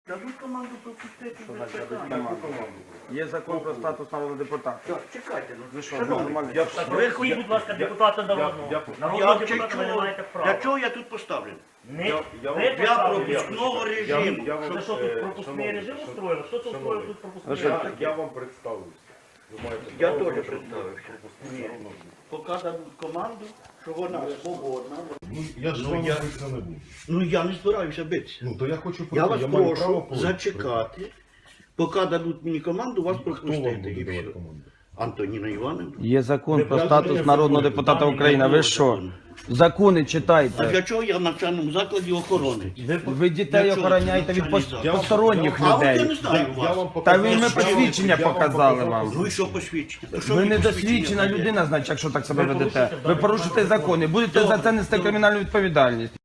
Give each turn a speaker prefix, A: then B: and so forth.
A: Дадуть команду пропустити.
B: Є закон про статус народного депутата.
A: Так, чекайте, ну
B: Ви що,
A: шановні,
B: нормально?
C: Виходіть, будь ласка, депутата народного. Народного депутата ви не маєте
A: для
C: права.
A: чого я тут поставлений?
C: Не ви
A: Для
C: поставили.
A: пропускного режиму.
C: Це що тут пропускний режим устроїли? Хто це устроїв тут пропускний режим?
D: Я вам представлюся. Ви маєте
A: Я
D: право
A: теж
D: на
A: представився.
D: пропускний
A: Ні.
D: народного.
A: Поки дадуть команду, що вона свободна.
D: Ну, я ж
A: Ну,
D: з вами
A: я-
D: битися не буду.
A: Ну я не збираюся битися.
D: Ну, то я хочу
A: Я вас
D: маю право
A: прошу
D: пройти.
A: зачекати, поки дадуть мені команду, вас
D: Хто вам
A: пропустити.
D: буде
A: І
D: давати
A: все.
D: команду?
A: Антоніна Івановна.
B: Є закон про
A: Я
B: статус
A: знаю,
B: народного
A: закон.
B: депутата
A: Там
B: України. Ви
A: немає
B: що?
A: закону.
B: Закони
A: А
B: читайте.
A: для чого я в навчальному закладі охорони?
B: Ви дітей
A: Для чого
B: охороняєте
A: це
B: від
A: навчальний заклад?
B: посторонніх
A: А от я не
B: людей.
A: знаю вас.
B: Та ви ми посвідчення показали вам.
A: Ну і що посвідчення? То що
B: Ви
A: мені
B: недосвідчена
A: посвідчення дає?
B: людина, значить, якщо так себе
C: Ви
B: ведете.
C: порушуєте
B: Ви порушите закони, будете за це нести кримінальну відповідальність.